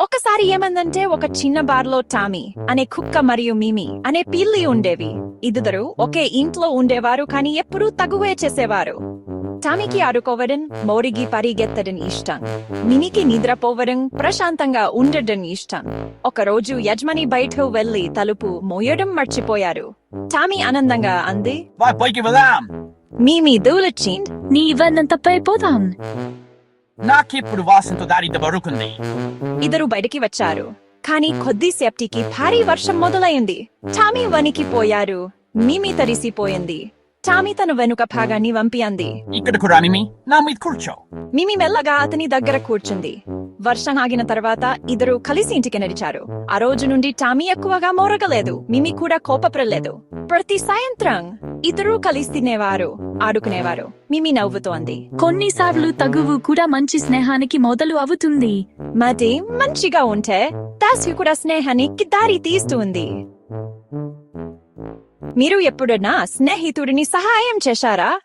ఒకసారి ఏమందంటే ఒక చిన్న బార్లో టామీ అనే కుక్క మరియు మిమి అనే పిల్లి ఉండేవి. ఇద్దరు ఒకే ఇంట్లో ఉండేవారు, కానీ ఎప్పుడూ తగువే చేసేవారు. టామీకి ఆడుకోవడం, మోరిగి పరిగెత్తడం ఇష్టం. మిమికి నిద్రపోవడం, ప్రశాంతంగా ఉండడం ఇష్టం. ఒకరోజు యజమాని బయటకు వెళ్లి తలుపు మోయడం మర్చిపోయారు. టామీ ఆనందంగా అంది, పైకి వెళ్దాం. మిమి దూలచింది. నీ ఇవన్నంత పైపోదాం. నాకిప్పుడు వాసనతో దారి దొరుకుంది. ఇద్దరు బయటికి వచ్చారు, కానీ కొద్దిసేపటికి భారీ వర్షం మొదలైంది. టామీ వణికిపోయారు. మిమి తడిసిపోయింది. టామీ తన వెనుక భాగాన్ని వంపి అంది, ఇక్కడకు రా మిమి, నా మీద కూర్చో. మిమి మెల్లగా అతని దగ్గర కూర్చుంది. వర్షం ఆగిన తర్వాత ఇద్దరు కలిసి ఇంటికి నడిచారు. ఆ రోజు నుండి టామీ ఎక్కువగా మోరగలేదు, మిమి కూడా కోపపడలేదు. ప్రతి సాయంత్రం ఇద్దరు కలిసి తినేవారు, ఆడుకునేవారు. మిమి నవ్వుతోంది. కొన్నిసార్లు తగువు కూడా మంచి స్నేహానికి మొదలు అవుతుంది. మరి మంచిగా ఉంటే దాసి కూడా స్నేహానికి దారి తీస్తుంది. మీరు ఎప్పుడన్నా స్నేహితుడిని సహాయం చేశారా?